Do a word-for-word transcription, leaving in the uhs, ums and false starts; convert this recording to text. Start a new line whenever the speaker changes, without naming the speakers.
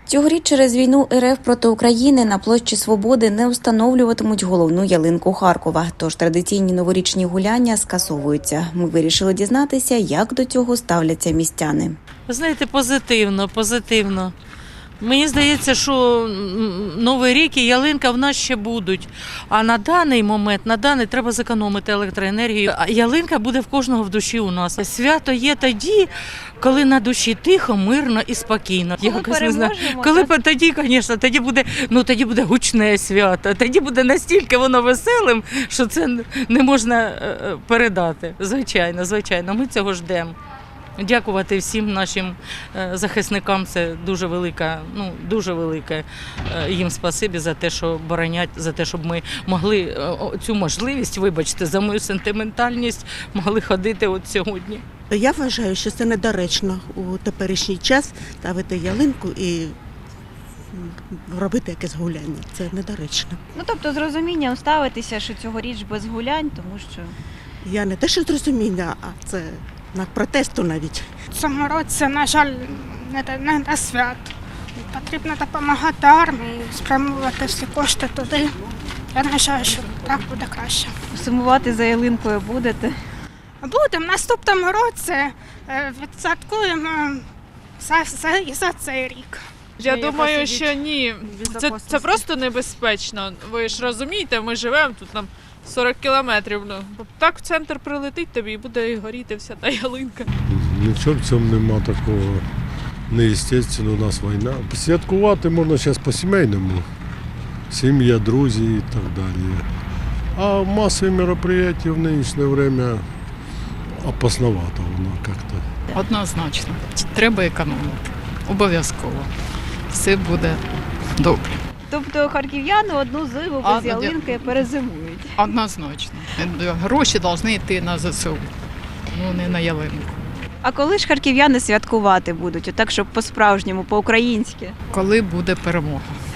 Цьогоріч через війну РФ проти України на площі Свободи не встановлюватимуть головну ялинку Харкова, тож традиційні новорічні гуляння скасовуються. Ми вирішили дізнатися, як до цього ставляться містяни.
Ви знаєте, позитивно, позитивно. Мені здається, що Новий рік і ялинка в нас ще будуть. А на даний момент, на даний треба зекономити електроенергію. А ялинка буде в кожного в душі у нас. Свято є тоді, коли на душі тихо, мирно і спокійно.
Коли
Якось не знаю.
переможемо,
Коли
так?
тоді, звісно, тоді буде, ну тоді буде гучне свято. Тоді буде настільки воно веселим, що це не можна е, передати. Звичайно, звичайно, ми цього ждемо. Дякувати всім нашим захисникам, це дуже велика, ну дуже велике їм спасибі за те, що боронять, за те, щоб ми могли цю можливість, вибачте, за мою сентиментальність, могли ходити от сьогодні.
Я вважаю, що це недоречно у теперішній час ставити ялинку і робити якесь гуляння. Це недоречно.
Ну, тобто з розумінням ставитися, що цьогоріч без гулянь, тому що...
Я не те, що з розуміння, а це на протесту навіть.
В цьому році, на жаль, не до, не до свят. Потрібно допомагати армії, спрямувати всі кошти туди. Я вважаю, що так буде краще.
Сумувати за ялинкою будете?
Будемо. В наступному році е, відсвяткуємо за, за, за цей рік.
Я думаю, що ні. Це, це просто небезпечно. Ви ж розумієте, ми живемо тут нам сорок кілометрів. Ну, так в центр прилетить тобі і буде горіти вся та ялинка.
Нічого в цьому нема такого. Неестественно, у нас війна. Святкувати можна зараз по-сімейному. Сім'я, друзі і так далі. А масові мероприятия в нинішнє время опасновато воно як-то.
Однозначно. Треба економити. Обов'язково. Все буде добре.
Тобто харків'яни одну зиму
А,
без ялинки перезимують.
Однозначно. Гроші повинні йти на ЗСУ, ну не на ялинку.
А коли ж харків'яни святкувати будуть, отак, щоб по-справжньому, по-українськи?
Коли буде перемога.